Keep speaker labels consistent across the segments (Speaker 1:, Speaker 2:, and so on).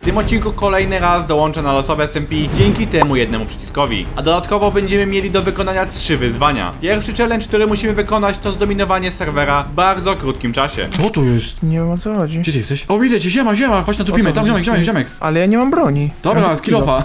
Speaker 1: tym odcinku kolejny raz dołączę na losowe SMP dzięki temu jednemu przyciskowi. A dodatkowo będziemy mieli do wykonania 3 wyzwania. Pierwszy challenge, który musimy wykonać, to zdominowanie serwera w bardzo krótkim czasie. Co to jest?
Speaker 2: Nie wiem, o co chodzi.
Speaker 1: Gdzie ty jesteś? O, widzę cię, ziema, chodź na tupimy, tam ziomek.
Speaker 2: Ale ja nie mam broni.
Speaker 1: Dobra, skillofa.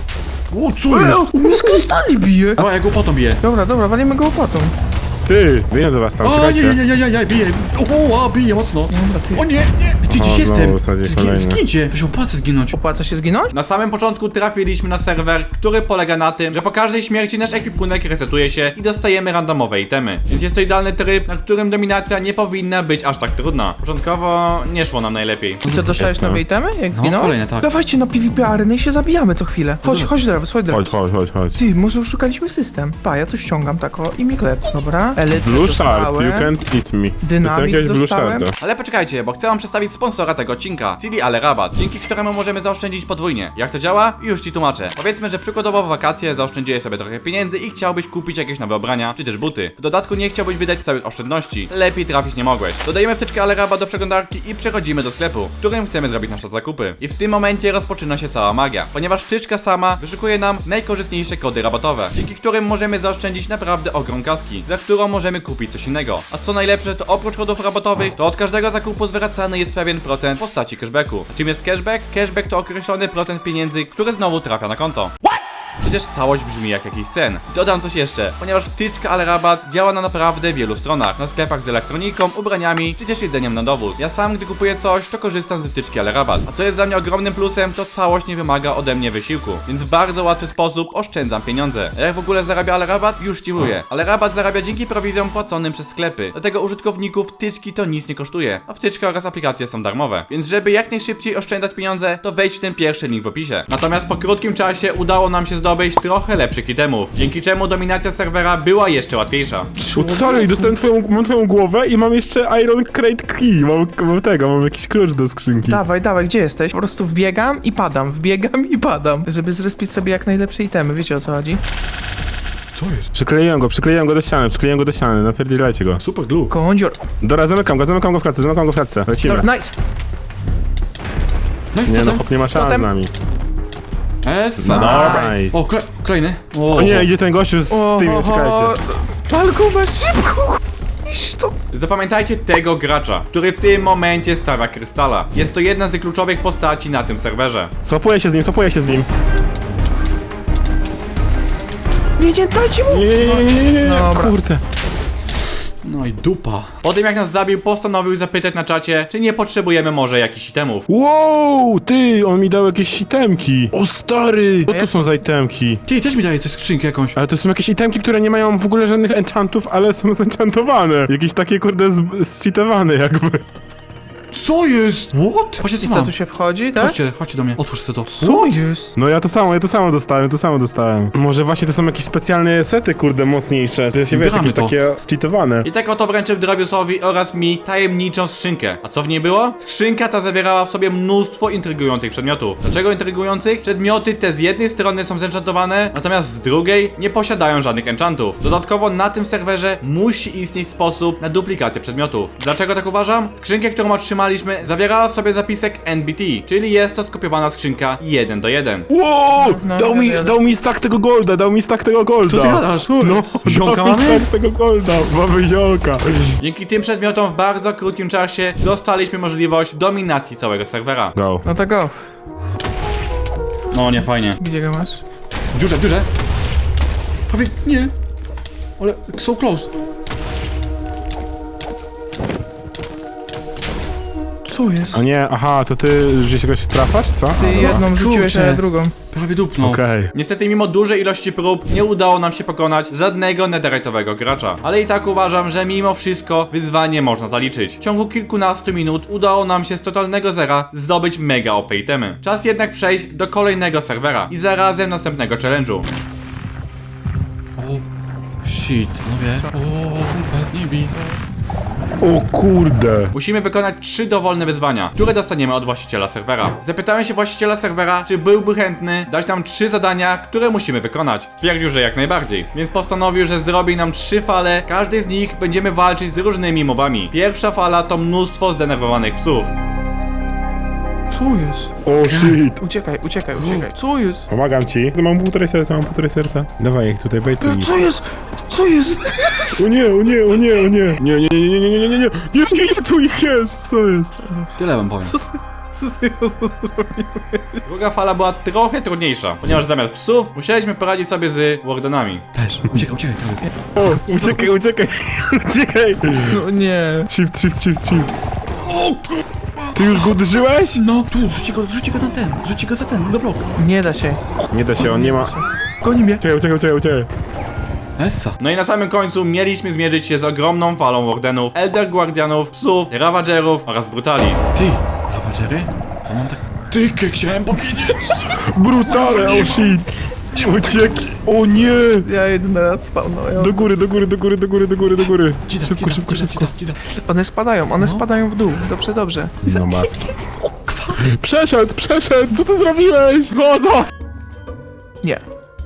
Speaker 1: O, co jest?
Speaker 2: On z krystali bije.
Speaker 1: Dobra, ja go potą biję.
Speaker 2: Dobra, walimy go łopatą.
Speaker 3: Ty, wyjdę do was tam,
Speaker 1: O,
Speaker 3: czekajcie.
Speaker 1: nie, bije. O, bije mocno.
Speaker 2: Dobra, ty.
Speaker 1: O nie. Ty gdzieś
Speaker 3: O,
Speaker 1: jestem.
Speaker 3: znowu sadzi kolejny.
Speaker 1: Zgincie. To się opłaca zginąć.
Speaker 2: Opłaca się zginąć?
Speaker 1: Na samym początku trafiliśmy na serwer, który polega na tym, że po każdej śmierci nasz ekwipunek resetuje się i dostajemy randomowe itemy. Więc jest to idealny tryb, na którym dominacja nie powinna być aż tak trudna. Początkowo nie szło nam najlepiej.
Speaker 2: I co, dostałeś nowe itemy, jak zginąłeś?
Speaker 1: kolejne, tak.
Speaker 2: Dawajcie na PvP areny i się zabijamy co chwilę. Chodź, Drewus, chodź, Drewus.
Speaker 3: Chodź.
Speaker 2: Ty, może oszukaliśmy system. Pa, ja to ściągam tak o i mi klep. Dobra, Elite
Speaker 3: Blue Shard, you
Speaker 2: dostałem.
Speaker 3: can't eat me.
Speaker 2: Dynamit
Speaker 3: Dostałem jakiegoś Blue
Speaker 2: dostałem.
Speaker 3: Sharda.
Speaker 1: Ale poczekajcie, bo chcę wam przedstawić sponsora tego odcinka, czyli Ale Rabat, dzięki któremu możemy zaoszczędzić podwójnie. Jak to działa? Już ci tłumaczę. Powiedzmy, że przykładowo w wakacje zaoszczędziłeś sobie trochę pieniędzy i chciałbyś kupić jakieś nowe ubrania, czy też buty. W dodatku nie chciałbyś wydać całych oszczędności. Lepiej trafić nie mogłeś. Dodajemy wtyczkę Ale Rabat do przeglądarki i przechodzimy do sklepu, w którym chcemy zrobić nasze zakupy. I w tym momencie rozpoczyna się cała magia, ponieważ wtyczka sama wyszukuje nam najkorzystniejsze kody rabatowe, dzięki którym możemy zaoszczędzić naprawdę ogrom kaski, za którą możemy kupić coś innego. A co najlepsze, to oprócz kodów rabatowych, to od każdego zakupu zwracany jest pewien procent w postaci cashbacku. A czym jest cashback? Cashback to określony procent pieniędzy, który znowu trafia na konto. Przecież całość brzmi jak jakiś sen. Dodam coś jeszcze, ponieważ wtyczka Ale Rabat działa na naprawdę wielu stronach. Na sklepach z elektroniką, ubraniami, czy też jedzeniem na dowód. Ja sam, gdy kupuję coś, to korzystam z wtyczki Ale Rabat. A co jest dla mnie ogromnym plusem, to całość nie wymaga ode mnie wysiłku. Więc w bardzo łatwy sposób oszczędzam pieniądze. A jak w ogóle zarabia Ale Rabat? Już ci mówię. Ale Rabat zarabia dzięki prowizjom płaconym przez sklepy. Dlatego użytkowników wtyczki to nic nie kosztuje. A wtyczka oraz aplikacje są darmowe. Więc żeby jak najszybciej oszczędzać pieniądze, to wejdź w ten pierwszy link w opisie. Natomiast po krótkim czasie udało nam się zdobyć trochę lepszych itemów, dzięki czemu dominacja serwera była jeszcze łatwiejsza.
Speaker 3: Sorry, dostałem mam twoją głowę i mam jeszcze Iron Crate Key. Mam jakiś klucz do skrzynki.
Speaker 2: Dawaj, gdzie jesteś? Po prostu wbiegam i padam, żeby zrespić sobie jak najlepsze itemy, wiecie o co chodzi?
Speaker 1: Co jest?
Speaker 3: Przykleiłem go do ściany, napierdzielajcie go.
Speaker 1: Super glue.
Speaker 2: Kondzior.
Speaker 3: Dobra, zamykam go w klatce, lecimy.
Speaker 2: Dobra, nice.
Speaker 1: No i
Speaker 3: Nie no,
Speaker 1: statem.
Speaker 3: hop nie ma szans
Speaker 2: Potem-
Speaker 3: z nami.
Speaker 1: O, kolejny.
Speaker 3: O nie, idzie ten gościu z tymi, czekajcie.
Speaker 2: Palku, masz szybko, iść to.
Speaker 1: Zapamiętajcie tego gracza, który w tym momencie stawia krystala. Jest to jedna z kluczowych postaci na tym serwerze.
Speaker 3: Swapuję się z nim.
Speaker 2: Nie, dajcie mu.
Speaker 3: Nie,
Speaker 2: Dobra.
Speaker 3: kurde.
Speaker 1: No i dupa. Po tym jak nas zabił, postanowił zapytać na czacie, czy nie potrzebujemy może jakichś itemów.
Speaker 3: Wow, ty, on mi dał jakieś itemki. O stary, co to są za itemki?
Speaker 1: Ty, też mi daje coś skrzynkę jakąś.
Speaker 3: Ale to są jakieś itemki, które nie mają w ogóle żadnych enchantów, ale są zenchantowane. Jakieś takie kurde zcheatowane jakby.
Speaker 1: Co jest? What? Właśnie
Speaker 2: I co, tu się wchodzi, tak?
Speaker 1: Chodźcie do mnie. Otwórz sobie to.
Speaker 2: Co jest?
Speaker 3: No ja to samo dostałem. Może właśnie to są jakieś specjalne sety, kurde, mocniejsze. To się wiesz,
Speaker 1: Bramy
Speaker 3: jakieś
Speaker 1: to.
Speaker 3: takie zcheatowane.
Speaker 1: I tak oto wręczył Draviusowi oraz mi tajemniczą skrzynkę. A co w niej było? Skrzynka ta zawierała w sobie mnóstwo intrygujących przedmiotów. Dlaczego intrygujących? Przedmioty te z jednej strony są zenchantowane, natomiast z drugiej nie posiadają żadnych enchantów. Dodatkowo na tym serwerze musi istnieć sposób na duplikację przedmiotów. Dlaczego tak uważam? Skrzynkę, którą otrzymaliśmy, zawierała w sobie zapisek NBT, czyli jest to skopiowana skrzynka 1 do 1.
Speaker 3: Wow!
Speaker 2: No,
Speaker 3: Dał mi stack tego golda,
Speaker 1: Co ty gadasz?
Speaker 3: No,
Speaker 1: Ziomka
Speaker 3: dał mi
Speaker 1: mamy?
Speaker 3: stack tego golda, mamy ziomka.
Speaker 1: Dzięki tym przedmiotom w bardzo krótkim czasie dostaliśmy możliwość dominacji całego serwera.
Speaker 3: Go.
Speaker 2: No to go.
Speaker 1: No nie fajnie.
Speaker 2: Gdzie go masz?
Speaker 1: W dziurze. Prawie nie. Ale so close.
Speaker 2: Co jest?
Speaker 3: A nie, aha, to ty gdzieś kogoś trafasz, co?
Speaker 2: Ty jedną rzuciłeś, a ja drugą.
Speaker 1: Prawie dupnął.
Speaker 3: Okej.
Speaker 1: Niestety mimo dużej ilości prób nie udało nam się pokonać żadnego netherite'owego gracza. Ale i tak uważam, że mimo wszystko wyzwanie można zaliczyć. W ciągu kilkunastu minut udało nam się z totalnego zera zdobyć mega OP itemy. Czas jednak przejść do kolejnego serwera i zarazem następnego challenge'u. O, shit, no wie. O, nie bij.
Speaker 3: O kurde.
Speaker 1: Musimy wykonać 3 dowolne wyzwania, które dostaniemy od właściciela serwera. Zapytałem się właściciela serwera, czy byłby chętny dać nam 3 zadania, które musimy wykonać. Stwierdził, że jak najbardziej, więc postanowił, że zrobi nam 3 fale, każdej z nich będziemy walczyć z różnymi mobami. Pierwsza fala to mnóstwo zdenerwowanych psów.
Speaker 2: Co jest?
Speaker 3: O shit.
Speaker 2: Uciekaj. Co jest?
Speaker 3: Pomagam ci. Mam półtorej serca. Dawaj, jak tutaj bejtuj.
Speaker 2: Co jest? Co jest?
Speaker 3: O nie. Nie, tu ich jest. Co jest?
Speaker 1: Tyle wam powiem.
Speaker 2: Co ty zrobiłeś?
Speaker 1: Druga fala była trochę trudniejsza, ponieważ zamiast psów musieliśmy poradzić sobie z wardenami. Też, uciekaj.
Speaker 3: O, uciekaj.
Speaker 2: No nie.
Speaker 3: Shift. Ty już go uderzyłeś?
Speaker 1: No, tu, zrzućcie go na ten, zrzućcie go za ten, za blok.
Speaker 2: Nie da się.
Speaker 3: Nie da się, on nie ma...
Speaker 2: Goni mnie.
Speaker 3: Uciekaj.
Speaker 1: Essa. No i na samym końcu mieliśmy zmierzyć się z ogromną falą wardenów, elder guardianów, psów, ravagerów oraz brutali. Ty, ravagery? To mam tak... Ty, chciałem powiedzieć!
Speaker 3: Brutale, oh shit. Uciekł. O nie.
Speaker 2: Ja jeden raz spawnąłem.
Speaker 3: Do góry. Szybko.
Speaker 2: One spadają w dół. Dobrze.
Speaker 3: No maski. Przeszedł. Co ty zrobiłeś? Chodzą.
Speaker 2: Nie.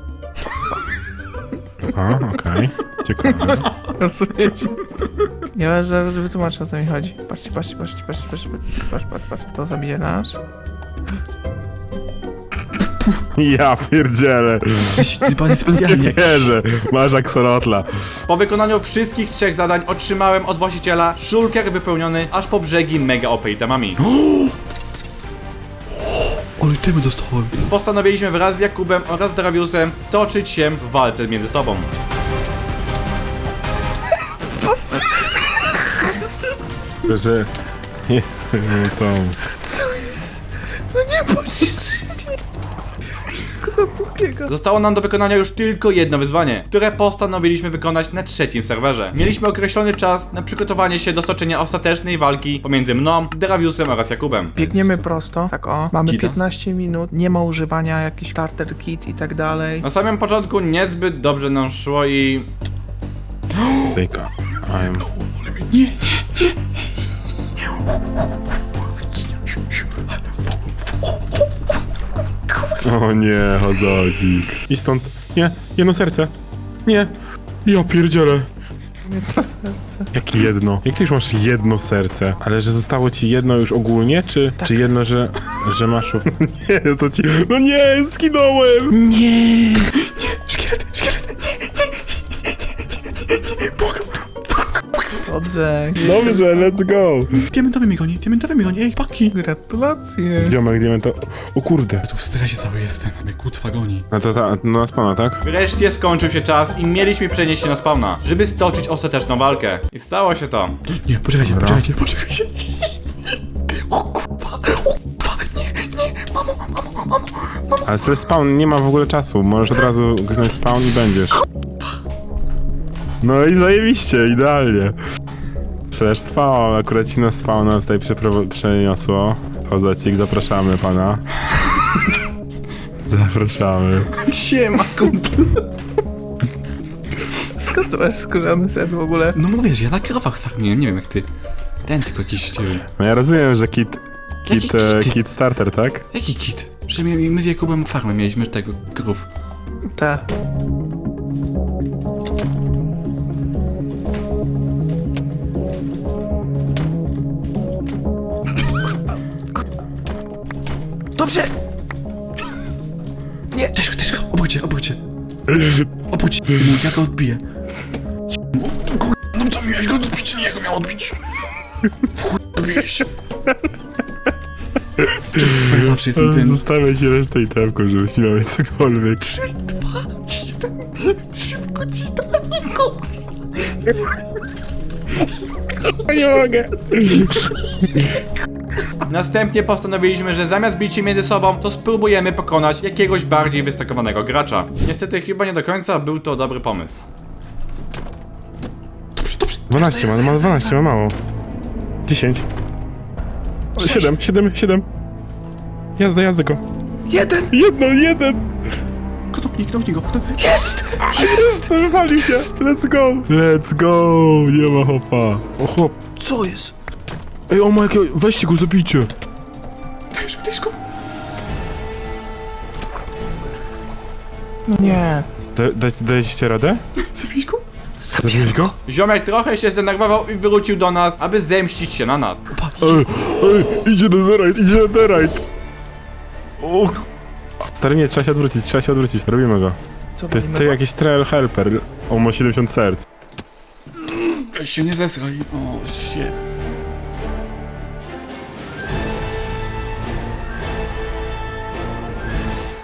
Speaker 3: A, okej. Ciekawe.
Speaker 2: Rozumiecie? Ja zaraz wytłumaczę, o co mi chodzi. Patrzcie. Patrz. To zabije nasz.
Speaker 3: Ja pierdzielę.
Speaker 1: Ty pan specjalnie.
Speaker 3: Wierzę. Masz aksolotla.
Speaker 1: Po wykonaniu wszystkich 3 zadań otrzymałem od właściciela szulker wypełniony aż po brzegi mega OP itemami. Ale temy dostałem. Postanowiliśmy wraz z Jakubem oraz Draviusem stoczyć się w walce między sobą.
Speaker 3: Że... Nie, to...
Speaker 2: Co jest? No nie bądź się. Wszystko zapobiega.
Speaker 1: Zostało nam do wykonania już tylko jedno wyzwanie, które postanowiliśmy wykonać na 3. serwerze. Mieliśmy określony czas na przygotowanie się do stoczenia ostatecznej walki pomiędzy mną, Draviusem oraz Jakubem.
Speaker 2: Biegniemy prosto, tak o. Mamy
Speaker 1: Kita.
Speaker 2: 15 minut, nie ma używania jakichś starter kit i tak dalej.
Speaker 1: Na samym początku niezbyt dobrze nam szło i...
Speaker 3: Tyka. O nie, chodzik. I stąd. Nie, jedno serce. Nie. Ja pierdzielę.
Speaker 2: Nie to serce.
Speaker 3: Jak jedno? Jak ty już masz jedno serce? Ale że zostało ci jedno już ogólnie, czy jedno, że masz... Nie, to ci... No nie, skinąłem! Nie!
Speaker 1: Szkielet!
Speaker 2: Dobrze.
Speaker 3: Dobrze, let's go!
Speaker 1: Diamentowy mi goni, ej, paki!
Speaker 2: Gratulacje.
Speaker 3: Ziomek, diamento... O kurde!
Speaker 1: Tu w stresie cały jestem, mnie kutwa goni.
Speaker 3: No to no na spawna, tak?
Speaker 1: Wreszcie skończył się czas i mieliśmy przenieść się na spawna, żeby stoczyć ostateczną walkę. I stało się to. Nie, poczekajcie.
Speaker 3: Ale to jest spawn, nie ma w ogóle czasu. Możesz od razu kliknąć spawn i będziesz. No i zajebiście, idealnie. Slash spawn, akurat ci na spawna tutaj przeniosło. Chodzacik, zapraszamy pana. Zapraszamy.
Speaker 1: Siema, kumpel.
Speaker 2: Skąd ty masz skórzany set w ogóle?
Speaker 1: No mówię, że ja na krowach farmiłem, nie wiem jak ty. Ten tylko jakiś...
Speaker 3: No ja rozumiem, że
Speaker 1: Jaki kit?
Speaker 3: kit starter, tak?
Speaker 1: Jaki kit? Że my z Jakubem farmę mieliśmy tego krów.
Speaker 2: Ta. Dobrze! Nie!
Speaker 1: Też go, obróć się. Obróć się, ja go odbiję. No to miałeś go odbić, nie, ja go miał odbić. W chuj odbiłeś. Czemu zawsze jestem tym?
Speaker 3: Zostawiaj się resztę i temko, żebyś nie miał cokolwiek.
Speaker 1: 3, 2, 1. Szybko ci to
Speaker 3: Nie mogę.
Speaker 1: Następnie postanowiliśmy, że zamiast bić się między sobą, to spróbujemy pokonać jakiegoś bardziej wystakowanego gracza. Niestety chyba nie do końca był to dobry pomysł. Dobrze.
Speaker 3: 12 ma 12, ma mało. 10. 7. Jazda go.
Speaker 2: Jeden!
Speaker 3: Jeden!
Speaker 1: Kto go?
Speaker 2: Jest!
Speaker 3: Wywalił się. Let's go. Nie ma hopa. O chłop.
Speaker 2: Co jest?
Speaker 3: Ej, o Mike, weźcie go, zabijcie.
Speaker 1: Dajesz go.
Speaker 2: No nie.
Speaker 3: Dajcie radę?
Speaker 1: Zabijesz go?
Speaker 3: Zabiłeś go?
Speaker 1: Ziomek trochę się zdenerwował i wrócił do nas, aby zemścić się na nas. Opa,
Speaker 3: Idzie netherite. O. Stary, nie, trzeba się odwrócić, robimy go.
Speaker 2: Co
Speaker 3: To jest
Speaker 2: robimy?
Speaker 3: ty jakiś trail helper, on ma 70 serc.
Speaker 1: Weź się nie zesraj. O, shit.